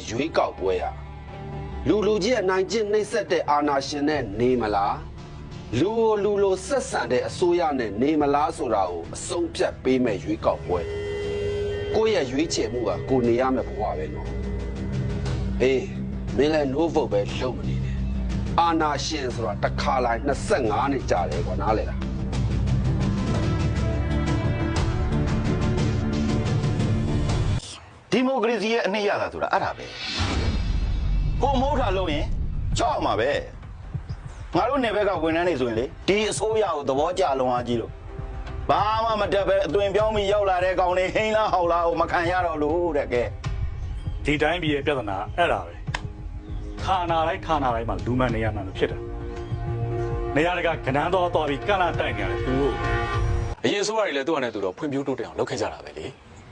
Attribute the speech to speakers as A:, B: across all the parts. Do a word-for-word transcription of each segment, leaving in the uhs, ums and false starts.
A: ရွေးကောက်ပွဲရလူလူကြီးအနိုင်ကျင့်နှိမ့်ဆက်တဲ့အာဏာရှင်နဲ့နေမလားလူကိုလူလိုဆက်ဆံတဲ့အစိုးရနဲ့နေမလားဆိုတာကိုအဆုံးဖြတ်ပေးမဲ့ရွေးကောက်ပွဲကိုယ့်ရဲ့ရွေးချယ်မှုကကိုနေရမယ့်ဘဝပဲနော်အေးမင်းလည်း no vote ပဲလုပ်မနေနဲ့အာဏာရှင်ဆိုတာတစ်ခါလိုက်နှစ်ဆယ့်ငါးနှစ်ကြာတယ်ကွာနားလေလား
B: ဒီမိုကရေစီရဲ့အနှစ်ရတာဆိုတာအဲ့ဒါပဲကိုမိုးထားလို့ရင်ကြောက်မှာပဲငါတို့နယ်ဘက်ကဝန်ထမ်းတွေဆိုရင်လေဒီအစိုးရကိုသဘောကျလုံးအားကြီးလို့ဘာမှမတက်ပဲအသွင်ပြောင်းပြီးရောက်လာတဲ့ကောင်တွေဟိန်းလားဟောက်လားကိုမခံရတော့လို့တဲ့ကဲ
C: ဒီတိုင်းပြည်ရဲ့ပြဿနာအဲ့ဒါပဲခါနာလိုက်ခါနာလိုက်မှလူမှန်နေရမှလို့ဖြစ်တာနေရာတကကဏ္ဍတော်တော်ပြီးကန့်လာတိုက်နေရတယ်သူတို့
D: အရင်ဆိုရတယ်လေသူ့အနေနဲ့သူတော့ဖွံ့ဖြိုးတိုးတက်အောင်လုပ်ခဲ့ကြတာပဲလေ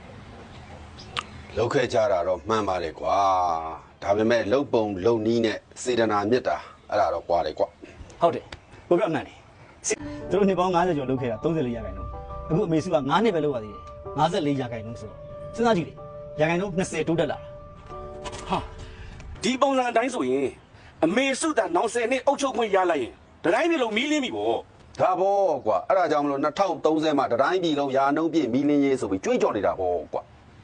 A: လုပ်ခဲ့ကြတာတော့မှန်ပါတယ်ကွာဒါပေမဲ့လုံပုံလုံနီးနဲ့စေတနာမြတ်တာအဲ့ဒါတော့ကွာတယ်ကွာ
E: ဟုတ်တယ်ကိုပြောမှန်တယ်သူတို့နှစ်ပေါင်း၅၀ကျော်လုပ်ခဲ့တာ၃၄ရာခိုင်နှုန်းအခုအမေစုက၅နှစ်ပဲလုပ်ရသေးတယ်၅၄ရာခိုင်နှုန်းဆိုတော့စဉ်းစားကြည့်လေရာခိုင်နှုန်း၂၀တိုးတက်လာ
F: ဟာဒီပုံစံအတိုင်းဆိုရင်အမေစုတာနောက်၁၀နှစ်အုပ်ချုပ်ခွင့်ရလိုက်ရင်တတိုင်းပြည်လုံးမီးလင်းပြီပေါ့
A: ဒါပေါ့ကွာအဲ့ဒါကြောင့်မလို့၂၀၃၀မှာတတိုင်းပြည်လုံးရာနှုန်းပြည့်မီးလင်းရေးဆိုပြီးကြွေးကြော်နေတာပေါ့ကွာ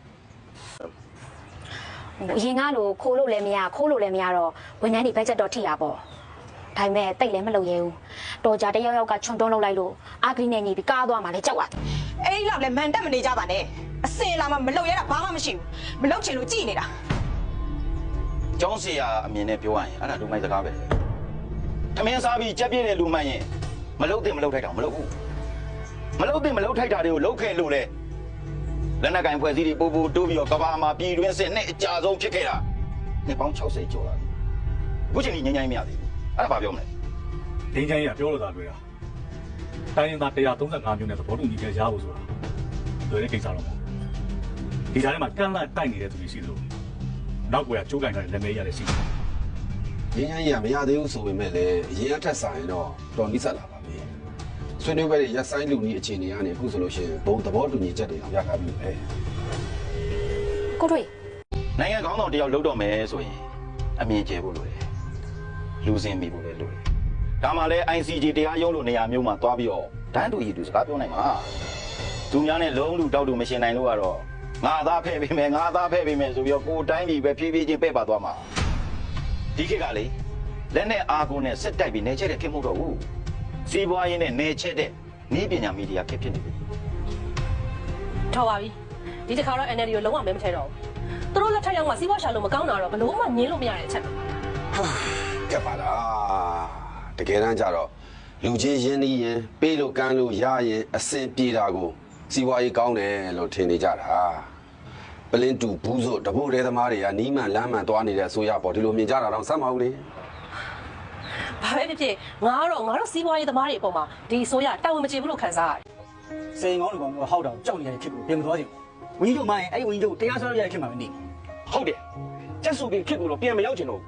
G: ရင်ကားလို့ခိုးလို့လည်းမရခိုးလို့လည်းမရတော့ဝန်ထမ်းတွေဘတ်ဂျက်တော့ထိတာပေါ့ဒါပေမဲ့တိတ်လည်းမလုပ်ရဲဘူးတော်ကြတယောက်ယောက်ကချွန်တွန်းလုပ်လိုက်လို့အာဂရီနဲ့ညီပြီးကားသွားမှလည်းကြောက်ရတယ်
H: အဲ့ဒီလောက်လည်းမန်တက်မနေကြပါနဲ့အစင်လာမှမလုပ်ရတာဘာမှမရှိဘူးမလုပ်ချင်လို့ကြည်နေတာ
B: ကျောင်းစီယာအမြင်နဲ့ပြောရရင်အဲ့ဒါလူမိုက်စကားပဲထမင်းစားပြီးကြက်ပြည့်တဲ့လူမှန်ရင်မလုပ်သင့်မလုပ်ထိုက်တာမလုပ်ဘူးမလုပ်သင့်မလုပ်ထိုက်တာတွေကိုလုပ်ခဲ့လို့လေလက်နက်ကင်ဖွဲ့စည်းတွေပို့ပို့တိုးပြီးတော့ကဘာမှာပြည်တွင်းစစ်နဲ့အကြဆုံးဖြစ်ခဲ့တာနှစ်ပေါင်း၆၀ကျော်လာပြီအခုချိန်ကြီးငြိမ်းချမ်းမရသေးဘူးအဲ့ဒါဘာပြောမလဲ
C: ငြိမ်းချမ်းရေးကပြောလို့သာတွေ့တာတိုင်းရင်းသား၁၃၅မျိုးနဲ့သဘောတူညီချက်ရဖို့ဆိုတာလွယ်တဲ့ကိစ္စတော့မဟုတ်ဒီကြားထဲမှာကန့်လန့်တိုက်နေတဲ့သူတွေရှိသလိုနောက်ကွယ်ကကြိုးကင်ထားတဲ့လက်မဲရတဲ့ရှိ
A: တယ်ငင်းငင်းရမရသေးဘူးဆိုပေမဲ့လည်းအရင်အထက်ဆိုင်တော့တော်နိစ္စလာပါပြီဆွေးနွေးပွဲတွေရက်ဆိုင်လူကြီးအခြေအနေကနေအခုဆိုလို့ရှိရင်ဘုံသဘောတူညီချက်တွေအောင်ရထားပြီပဲ
G: ကိုတွေ့
B: နိုင်ငံကောင်းဆောင်တယောက်လုပ်တော့မယ်ဆိုရင်အမြင်ကျဲဖို့လိုတယ်လူစင်မိဖို့လည်းလိုတယ်ဒါမှလည်း I C J တရားရုံးလိုနေရာမျိုးမှာသွားပြီးတော့တန်းတူရည်တူစကားပြောနိုင်မှာသူများနဲ့လုံးလူတောက်တူမရှင်နိုင်လို့ကတော့ငါသားဖဲ့ပေးမယ်ငါသားဖဲ့ပေးမယ်ဆိုပြီးတော့ကိုတိုင်းပြည်ပဲဖြည်းဖြည်းချင်းပဲ့ပါသွားမှာဒီခေတ်ကလေလက်နဲ့အာကိုနဲ့စစ်တိုက်ပြီးနေချက်တဲ့ခေတ်မဟုတ်တော့ဘူးစီးပွားရေးနဲ့နေချက်တဲ့နည်းပညာမီဒီယာခေတ်ဖြစ်နေပြီ
H: ထောက်ပါပြီဒီတစ်ခါတော့ N L D ကိုလုံးဝမဲမထဲတော့ဘူးသူတို့လက်ထက်ရောက်မှစီးပွားရှာလို့မကောင်းတာတော့ဘလို့မှငင်းလို့မရတဲ့အချက်က
A: ကဲပါလားတကယ်တမ်းကျတော့လူချင်းရင်းနှီးရင်ပေးလို့ကမ်းလို့ရရင်အစင်ပြေတာကိုစီးပွားရေးကောင်းတယ်လို့ထင်နေကြတာပလင်းတူဘူးစို့တဘို့တဲသမားတွေကနီးမှန်လမ်းမှန်သွားနေတဲ့အစိုးရပေါ့ဒီလိုမြင်ကြတာတော့စမ်းမဟုတ်လေ
H: ဘာပဲဖြစ်ဖြစ်ငါတော့ငါတို့စီးပွားရေးသမားတွေအပေါ်မှာဒီအစိုးရတာဝန်မကျေဘူးလို့ခံစားရတယ်
E: စိန်ကောင်းလူကောင်ကဟောက်တော့ကြောက်နေရတဲ့ဖြစ်ကိုပြင်မသွားချင်ဘူးဝင်းတို့မှရင်အဲ့ဝင်းတို့တရားစွဲရတဲ့ဖြစ်မှာမနေ
F: ဟုတ်တယ်ကျက်စုပြီးဖြစ်ကိုတော့ပြန်မရောက်ချင်တော့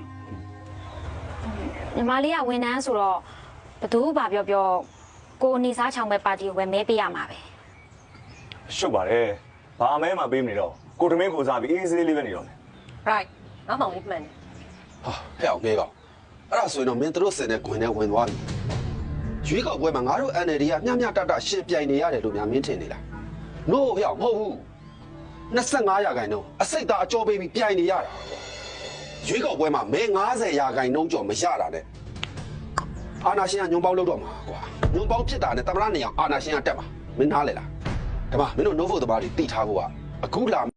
G: ညီမလေးကဝန်ထမ်းဆိုတော့ဘသူဘာပြောပြောကိုနေစားချောင်ပဲပါတီကိုပဲမဲပေးရမှာပဲ
C: ရှုပ်ပါတယ်ဘာမဲမှပေးမနေတော့ကိုတမင်းကိုစားပြီးအေးစေးလေးပဲနေတော့မယ်
H: right ငါမောင်လေးမှန်တယ်
A: ဟာဟဲ့အောင်ကေကောင်အဲ့ဒါဆိုရင်တော့မင်းတို့စင်တဲ့ခွင်နဲ့ဝင်သွားပြီရွေးကောက်ပွဲမှာငါတို့ N L D ကမျှမျှတတရှင်ပြိုင်နေရတယ်လို့များမင်းထင်နေလား no ဟဲ့အောင်မဟုတ်ဘူး၂၅ရာခိုင်နှုန်းအစိတ်သားအကျော်ပေးပြီးပြိုင်နေရတာရွေးကောက်ပွဲမှာမဲ၅၀ရာခိုင်နှုန်းကျော်မရတာနဲ့အာနာရှင်ကညွန်ပေါင်းလုပ်တော့မှာကွာညွန်ပေါင်းဖြစ်တာနဲ့တမရနေအောင်အာနာရှင်ကတက်မှာမင်းနားလေလားဒါမှမင်းတို့ no vote သမားတွေတိထားဖို့ကအခုလာ